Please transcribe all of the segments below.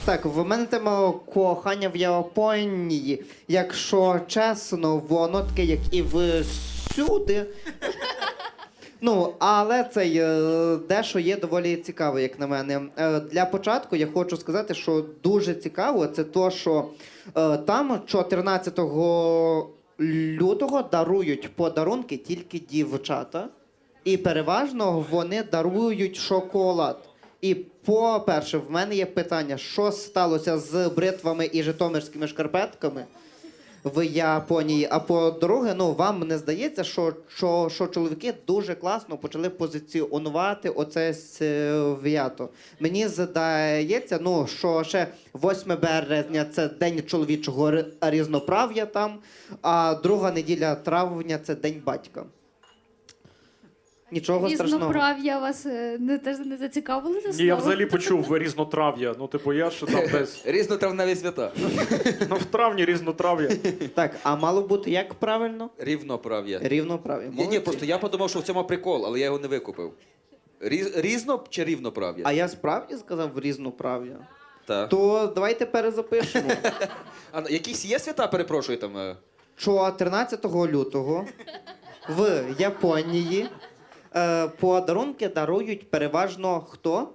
Так, в мене тема кохання в Японії. Якщо чесно, воно таке, як і всюди. Ну, але це дещо є доволі цікаво, як на мене. Для початку я хочу сказати, що дуже цікаво, це то, що там 14 лютого дарують подарунки тільки дівчата. І переважно вони дарують шоколад. І, по-перше, в мене є питання, що сталося з бритвами і житомирськими шкарпетками в Японії. А по-друге, ну, вам не здається, що чоловіки дуже класно почали позиціонувати оце свято. Мені здається, ну, що ще 8 березня – це День чоловічого різноправ'я там, а друга неділя травня – це День батька. Нічого страшного. Різноправ'я вас теж не зацікавили це слово? Ні, я взагалі почув різнотрав'я. Ну, типу, я що там десь. Різнотравневі свята. Ну, в травні різнотрав'я. Так, а мало бути як правильно? Рівноправ'я. Рівноправ'я. Ні, Молодці. просто я подумав, що в цьому прикол, але я його не викупив. Різно чи рівноправ'я? А я справді сказав різноправ'я? Так. То давайте перезапишемо. А якісь є свята, перепрошую, там? 14 лютого в Японії подарунки дарують переважно хто?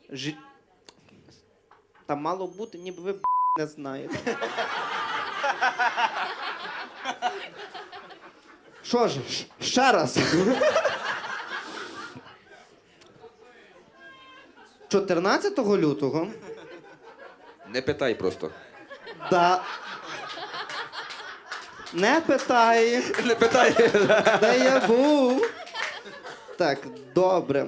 Там мало бути, ніби ви не знаєте. Що ж, ще раз. 14 лютого Не питай просто. да. Не питай. Не питай. Де я був? Так, добре.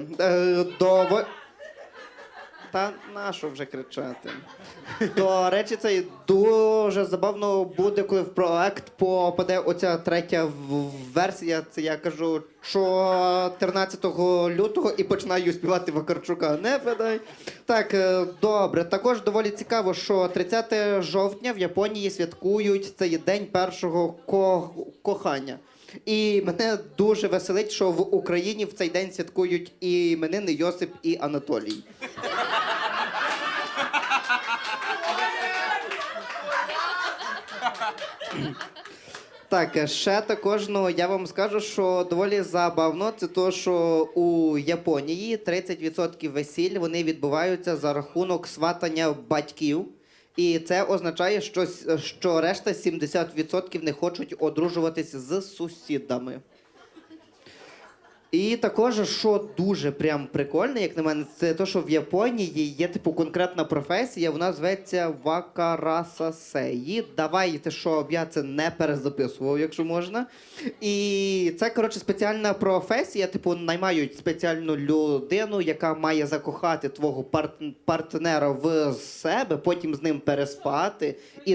Та нащо вже кричати? До речі, це дуже забавно буде, коли в проект попаде оця третя версія. Це я кажу 14 лютого і починаю співати Вакарчука. Не питай. Так, добре. Також доволі цікаво, що 30 жовтня в Японії святкують цей день першого кохання. І мене дуже веселить, що в Україні в цей день святкують і іменини Йосип, і Анатолій. Так, ще також, ну, я вам скажу, що доволі забавно, це то, що у Японії 30% весіль, вони відбуваються за рахунок сватання батьків. І це означає, що решта 70% не хочуть одружуватись з сусідами. І також, що дуже прям прикольне, як на мене, це те, що в Японії є типу конкретна професія, вона зветься вакарасасеї. Давайте, щоб я це не перезаписував, якщо можна. І це, коротше, спеціальна професія, типу, наймають спеціальну людину, яка має закохати твого партнера в себе, потім з ним переспати.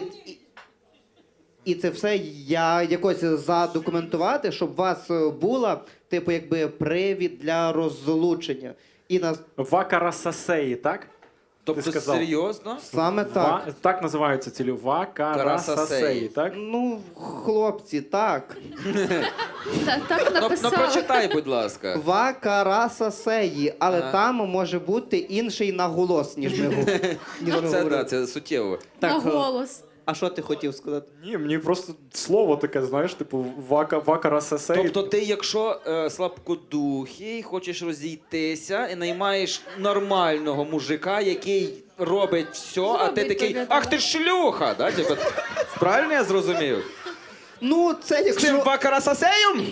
І це все я якось задокументувати, щоб у вас була, типу, якби привід для розлучення. І нас Вакарасасеї, так? Тобто Ти сказав. серйозно? саме так. Так називаються цілі. Вакарасасеї, так? Ну, хлопці, так. Так Ну написали. прочитай, будь ласка. Вакарасасеї, але Ага. там може бути інший наголос, ніж ми Це, говоримо. да, це суттєво. На Так, голос. а що ти хотів сказати? Ні, мені просто слово таке, знаєш, типу вакарасасеї. Тобто ти, якщо слабкодухий, хочеш розійтися і наймаєш нормального мужика, який робить все, а ти Зробить такий, тобі, ах да. ти шлюха! Да? Типу, правильно я зрозумів? Ну, це З цим якщо, вакарасасеєм?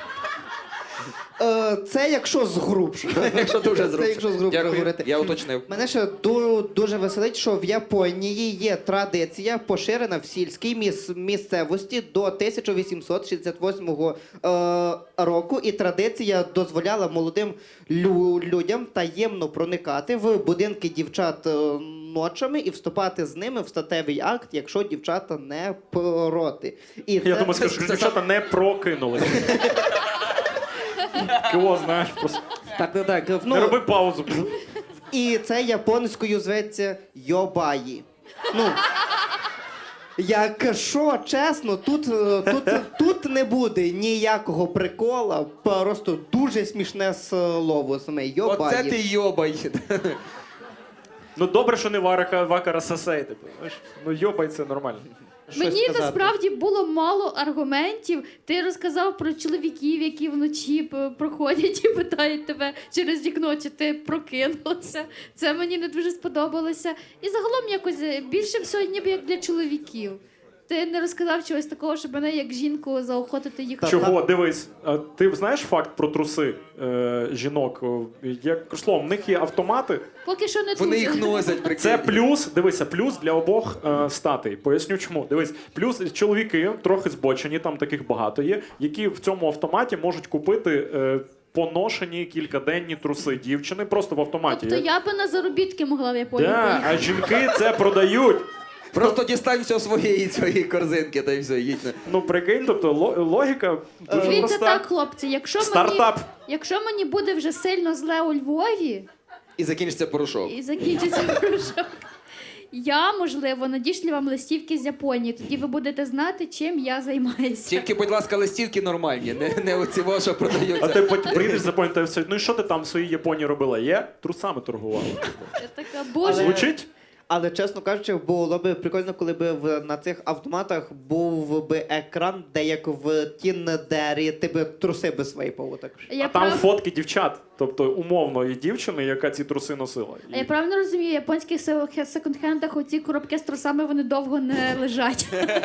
це якщо згрубше. Якщо дуже Це зручно. якщо згрубше Дякую, говорити. я уточнив. Мене ще дуже веселить, що в Японії є традиція, поширена в сільській місцевості до 1868 року. І традиція дозволяла молодим людям таємно проникати в будинки дівчат ночами і вступати з ними в статевий акт, якщо дівчата не проти. І Я це- думаю, скажу, що дівчата не прокинули. Кого, знаєш, просто Так. не Ну, роби паузу. і це японською зветься йобаї. Ну, якщо чесно, тут не буде ніякого прикола, просто дуже смішне слово саме йобаї. Оце ти йобай. Ну добре, що не Вакара Сасей, типу. Знаєш? Ну йобай, це нормально. Щось Мені сказати. насправді було мало аргументів. Ти розказав про чоловіків, які вночі проходять і питають тебе через вікно, чи ти прокинулася. Це мені не дуже сподобалося. І загалом якось більше всього ніби як для чоловіків. Ти не розказав чогось такого, щоб мене як жінку заохотити їхати. Чого? Дивись, а ти знаєш факт про труси жінок? Як словом, в них є автомати. Поки що не Вони дуже. їх носять, прикинь. Це плюс, дивися, плюс для обох статей. Поясню чому. Дивись, плюс чоловіки трохи збочені, там таких багато є, які в цьому автоматі можуть купити поношені кількаденні труси дівчини просто в автоматі. Тобто я би на заробітки могла в Японію Да, поїхати. а жінки це продають. Просто дістань все своєї корзинки, та й все, їдь. Ну прикинь, тобто логіка дуже Дивіться проста. так, хлопці, Стартап. якщо мені буде вже сильно зле у Львові І закінчиться порошок. і закінчиться порошок, я, можливо, надішлю вам листівки з Японії. Тоді ви будете знати, чим я займаюся. Тільки, будь ласка, листівки нормальні, не оці во, що А продаються. ти потім приїдеш за Японію, та все. Ну і що ти там в своїй Японії робила? Є? Трусами торгувала. Я така, боже, Звучить? Але, чесно кажучи, було б прикольно, коли б на цих автоматах був би екран, де як в Тіндері ти б труси би свайпав також. я А там прав- фотки дівчат, тобто умовної дівчини, яка ці труси носила. А я правильно розумію, в японських секонд-хендах оці коробки з трусами вони довго не лежать.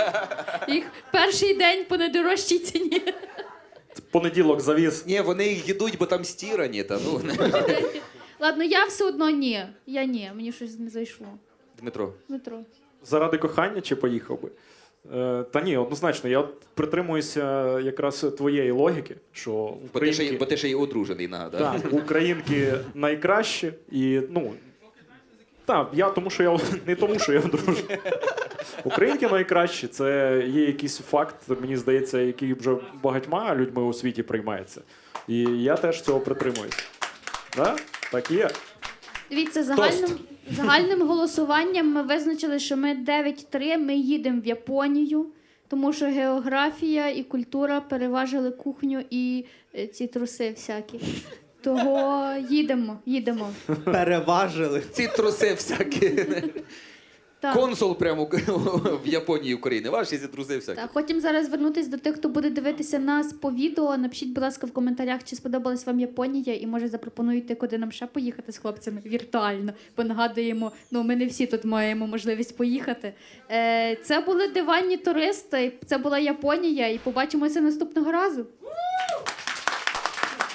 Їх перший день по найдорожчій ціні. Понеділок завіз. Ні, вони їх їдуть, бо там стірані. Та, ну. Ладно, я все одно ні. Я ні, мені щось не зайшло. Дмитро. Дмитро. Заради кохання чи поїхав би? Та ні, однозначно, я от притримуюся якраз твоєї логіки, що Бо ти ще, українки, й одружений, нагадаю. так, українки найкращі і, ну, так, тому що я не тому, що я одружений. Українки найкращі, це є якийсь факт, мені здається, який вже багатьма людьми у світі приймається. І я теж цього притримуюся. Да? Так і є. Дивіться, загальним голосуванням ми визначили, що ми 9-3, ми їдемо в Японію, тому що географія і культура переважили кухню і ці труси всякі. Того їдемо. Переважили. Ці труси всякі. Так. Консул прямо в Японії України. Ваші ці труси всякі. Так, хотім зараз звернутися до тих, хто буде дивитися нас по відео. Напишіть, будь ласка, в коментарях, чи сподобалась вам Японія, і може запропонуєте, куди нам ще поїхати з хлопцями віртуально. Бо нагадуємо, ми не всі тут маємо можливість поїхати. Це були диванні туристи, це була Японія, і побачимося наступного разу.